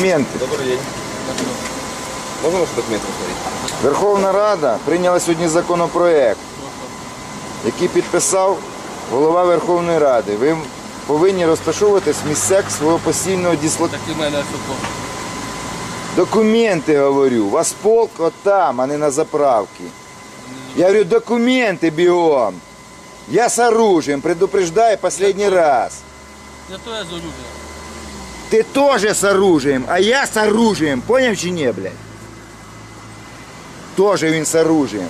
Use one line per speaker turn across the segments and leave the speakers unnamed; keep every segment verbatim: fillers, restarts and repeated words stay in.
Документи.
Добрий день. Можна ваші документи посмотреть?
Верховна Рада прийняла сьогодні законопроект, який підписав голова Верховної Ради. Ви повинні розташовуватись в місцях свого постійного дислокації.
Так і мене що?
Документи, говорю. У вас полк отам, а не на заправці. Я говорю, документи бігом. Я с оружием, предупреждаю последний раз.
Я то я з оружием.
Ты тоже с оружием, а я с оружием. Понял чи не, блядь? Тоже він с оружием.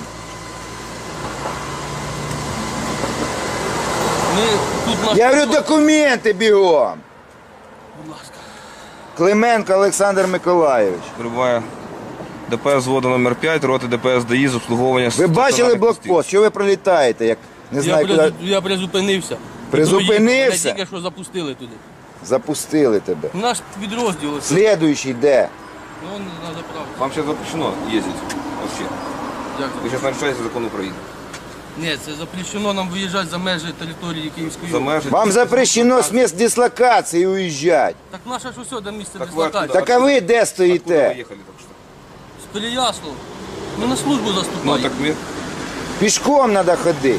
Ми тут наш...
Я говорю, документи бігом.
Будь ласка.
Клименко Олександр Миколайович.
Прибуває ДПС взводу номер п'ять, роти ДПС ДАІ з обслуговування.
Ви бачили блокпост? Що ви пролітаєте? Як не
Я,
знаю,
призу...
куди
я призупинився.
Призупинився?
Мене тільки що запустили туди.
запустили тебе.
Наш підрозділ. ось.
Слідуючий де?
Ну, он на заправку.
Вам ще запрещено їздити. Вообще.
Як
Ви
це?
зараз нарушаєте закон України.
Ні, це запрещено нам виїжджати за межі території Київської
За
області.
межі.
Вам запрещено з місць дислокації уїжджати.
Так наше ж усе до місця
Так ви
дислокації.
откуда?
Так а ви де
Откуда ви
стоїте?
їхали так що?
З Переяслав. Ми на службу
Ну
заступаємо.
так ми.
Пішком треба ходити.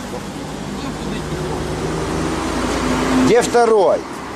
Де второй?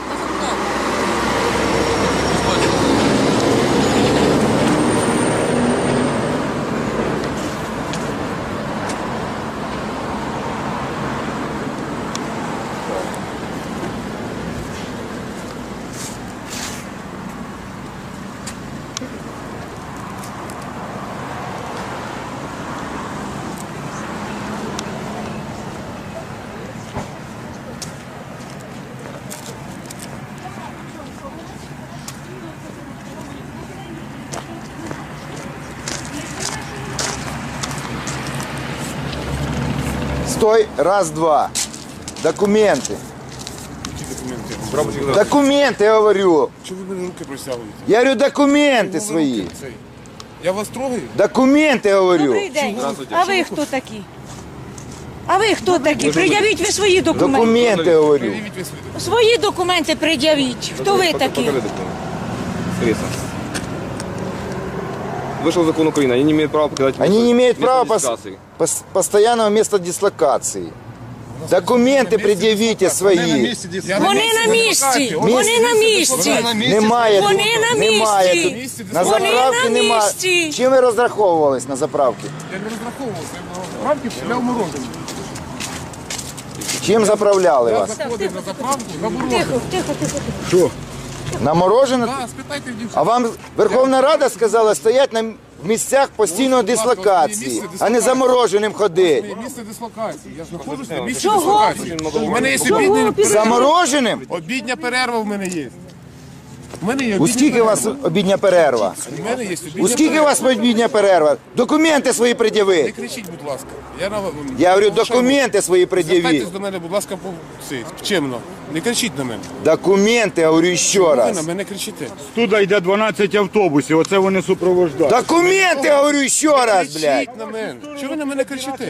Стой, раз, два. Документи.
Прапорщик, да.
Документи, я говорю.
Чого ви мене руки просягуєте?
Я говорю, документи
Чого ви
свої.
руки цей? Я вас трогаю?
Документи, я говорю.
Добрий день.
Здравствуйте.
А ви хто такі? А ви хто такі? Пред'явіть ви свої документи.
Документи, я говорю.
Привіть ви свої.
Свої документи пред'явіть. Хто ви такі?
Покажи документ. Скорее. Вышел закон Украины, они не имеют права покидать
Они не имеют
место
права пос-
дислокации.
пос- постоянного места дислокации. Документи пред'явіть свої.
Я
Вони на місці. Вони на місці.
Немає
Вони
тут.
на
Немає
місці.
тут. На
Вони
заправці
на
немає.
місці.
Чим ви розраховувались на заправці?
Я не розраховувався. Рамки для умороження.
Чим заправляли
Я
вас?
заходив на заправку, на морожене.
Тихо, тихо, тихо. тихо.
На морожене?
Так, спитайте в дівчат.
А вам Верховна Рада сказала стоять на місцях постійної дислокації, а не замороженим ходити.
Моє місце дислокації. Я знаходжусь на місці
Чого?
дислокації. У мене є
Чого
обідня
під-
перерва.
Замороженим?
Обідня перерва в мене є. У мене є
У
обідня
скільки у вас
перерва.
обідня перерва?
У мене є обідня
У скільки у вас обідня перерва? Документи свої
Не
пред'яви.
кричіть, будь ласка. Я, на...
Я говорю, документи свої пред'явіть.
Звертайтесь до мене, будь ласка, по... це, чемно. Не кричіть на мене.
Документи, я говорю ще
Ви на
раз.
мене кричите.
Туди йде дванадцять автобусів, оце вони супроводжують.
Документи, я говорю ще раз, блядь.
Кричіть на мене. Чого ви на мене кричите?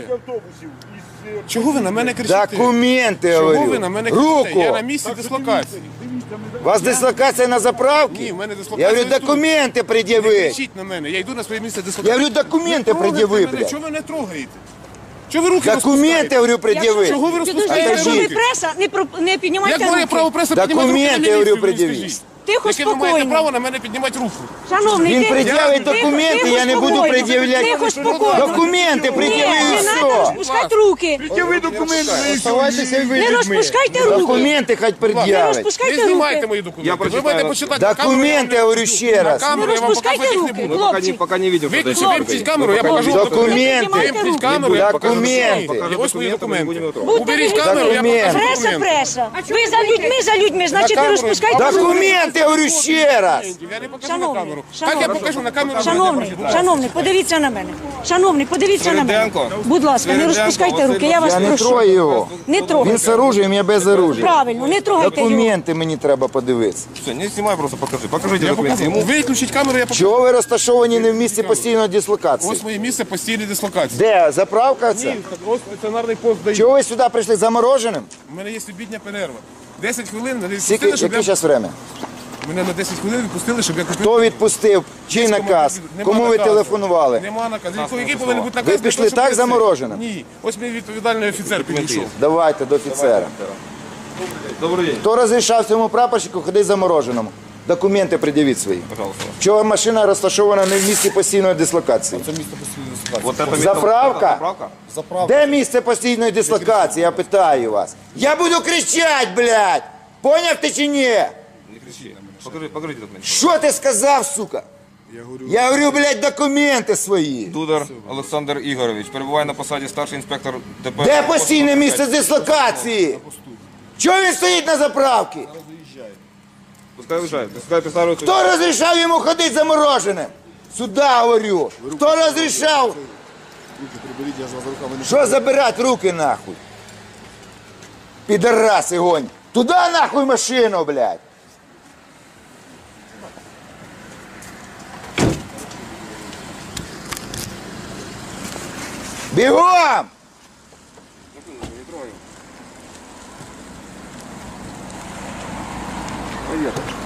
Чого ви на мене кричите?
Документи, я
Чого ви
говорю.
на мене кричите? Я на
Руку.
місці дислокації.
У вас дислокація на
Ні,
заправці?
в мене дислокація.
Я говорю,
тут.
документи
Не
пред'яви.
кричіть на мене. Я йду на своє місце
Я
дислокації.
говорю, документи
Не трогайте
пред'яви,
мене.
блядь.
Чого ви не трогаєте? Чого ви руки
Документи, я
розпускаєте?
говорю, пред'яви.
Чого ви
Підожди,
розпускаєте
якщо ви
руки?
преса, не, про- не піднімайте
Як має право
руки.
преса піднімати руки на
Документи, я говорю,
міліцію, мені
пред'явіть.
скажіть?
Тихо,
Яке ви маєте
спокійно.
право на мене піднімати руку?
Шановний,
Він
тихо,
пред'явить
тихо,
документи,
тихо,
я не буду
спокійно.
пред'являти.
Тихо, спокійно.
Документи
Ні,
пред'яви і
не треба
все.
розпускати руки.
Ви документи
Оставайтеся і ви
Не
людьми.
розпускайте руки.
Документи хоч
Не
пред'явить.
Не
розпускайте
знімайте
руки.
мої
Я
документи. Ви
прочитаю
маєте
вас.
почитати на камеру.
Документи, я говорю ще
На
раз.
камеру
Не
я вам
розпускайте
показувати не
руки.
буду.
Мы пока не,
Хлопці.
пока не видим, что это
Виключіть, виключіть камеру, я покажу.
Документи.
Вимкніть камеру, я покажу.
Документи.
Ось мої документи.
Будьте
Уберіть
ви-
камеру, я покажу
Документи.
Преса,
документи.
преса. Ви за людьми, за людьми, значить не
камеру.
розпускайте руки.
Документи, я говорю ще раз.
Я не покажу на
Шановний,
камеру. Так
шановний.
я покажу на камеру.
Шановний, шановний, подивіться на мене. Шановний, подивіться на мене.
Свириденко.
Будь ласка, не
Свириденко,
розпускайте руки, я вас
Я не
прошу.
трою його.
Не
Він
трогайте.
з оружием, я без оружия.
Правильно, не трогайте його.
Документи мені треба подивитися.
Все, не снимай, просто покажи. Покажите
Я
документы
покажу.
ему.
Виключіть камеру, я покажу.
Чого ви розташовані не в місці постійної дислокації?
Ось моє місце постійної дислокації.
Де? Заправка це?
Ні, ось стаціонарний пост дає.
Чого ви сюди прийшли замороженим?
У мене є обідня перерва. десять хвилин, не
Скільки,
пустили, щоб
яке
я...
зараз время?
Мене на десять хвилин відпустили, щоб я купив.
Хто відпустив? Чий наказ?
Нема
Кому ви
наказу.
телефонували?
Нема наказу. Який, який повинен бути наказ?
Ви
для
пішли
того, щоб
так
я-
замороженим?
Ні. Ось мій відповідальний офіцер підійшов.
Давайте до офіцера.
Добрий день.
Хто розрішав цьому прапорщику ходити замороженому? Документи пред'явіть свої.
Пожалуйста.
Чого машина розташована не в місці постійної дислокації?
Це місто постійної ситуації.
Вот это
Заправка?
Заправка?
Заправка.
Де місце постійної дислокації? Я питаю вас. Я буду кричати, блядь! Поняв ти чи ні?
Не кричи. Покажи, покажите документы.
Що ти сказав, сука?
Я говорю,
Я говорю, блядь, документи свої.
Дудар Олександр Ігорович перебуває на посаді старший інспектор ДП.
Де постійне місце дислокації? Чого він стоїть на заправці?
Пускай виїжджає. Пускай представляють.
Хто розрішав йому ходити замороженим? Сюда говорю. Хто розрішав?
руки приберіть, я ж вас за руками не
Що забирати руки нахуй? Підараси гонь. Туда нахуй машину, блядь. Бігом!
Привет.